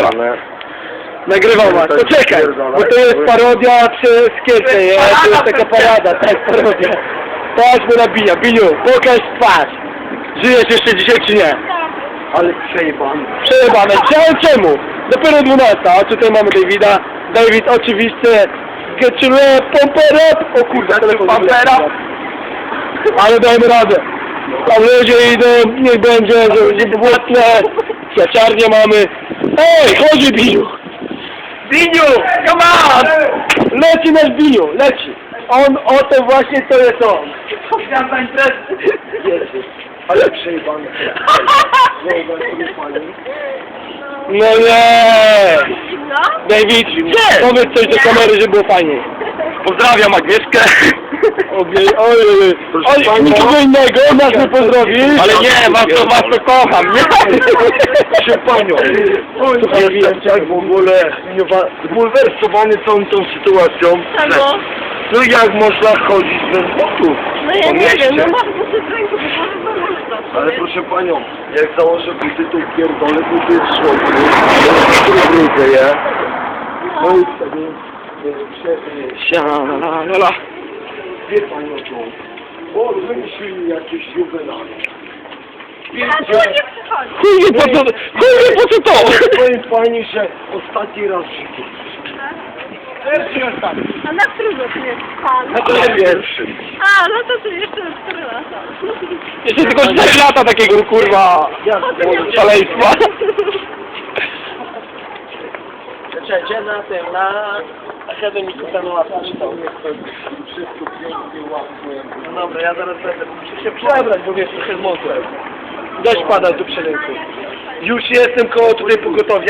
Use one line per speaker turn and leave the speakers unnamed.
Dobra. Nagrywam was, to czekaj, bo to jest parodia przez Kiece, to jest taka parada, to jest parodia. Patrz mu nabija, Biniu, pokaż twarz. Żyjesz jeszcze dzisiaj czy nie?
Ale przejebany.
Przejebane, czemu? Dopiero 12, a tutaj mamy Davida. David oczywiście, get your rap, pump it up. O kurwa, telefon
pump it up.
Ale dajmy radę. Tam ludzie idą, niech będzie, żeby było tle. Kwiaciarnię mamy. Ej, chodzi Biniu. Biniu, come on! Leci nasz Biniu, leci. On, oto właśnie to jest on.
Chciałem za imprezę. Jezu, ale przejebany.
No nie!
No?
David, powiedz coś do kamery, żeby było fajniej.
Pozdrawiam Agnieszkę.
Oj, nikogo innego, nas nie pozdrowisz.
Ale nie, was to kocham, nie? Proszę panią. Jestem tak w ogóle zbulwersowany całą tą sytuacją.
Czego?
No jak można chodzić bez butów?
No ja nie wiem, no masz buty w ręku, bo można.
Ale proszę panią, jak założę buty, to pierdolę buty w słońcu. Brudzę je. No i wtedy
Sialala.
wie panią co? Bo wymyślili jakieś juwenale.
A tu nie przychodzi.
Chuj, po co to?
Powiem pani, że ostatni raz w życiu.
A na którego tu jest pan?
Na pierwszym.
A, no to tu jeszcze 4 lata.
Jeszcze tylko 4 lata takiego kurwa szaleństwa. Czekajcie na tym, na akademiku Sanułasa czytał.
Wszystko pięknie, ładnie.
No dobra, ja zaraz będę. Muszę się przebrać, bo wiesz, trochę mokre. Deszcz pada tu przy rynku. Już jestem koło tutaj pogotowia.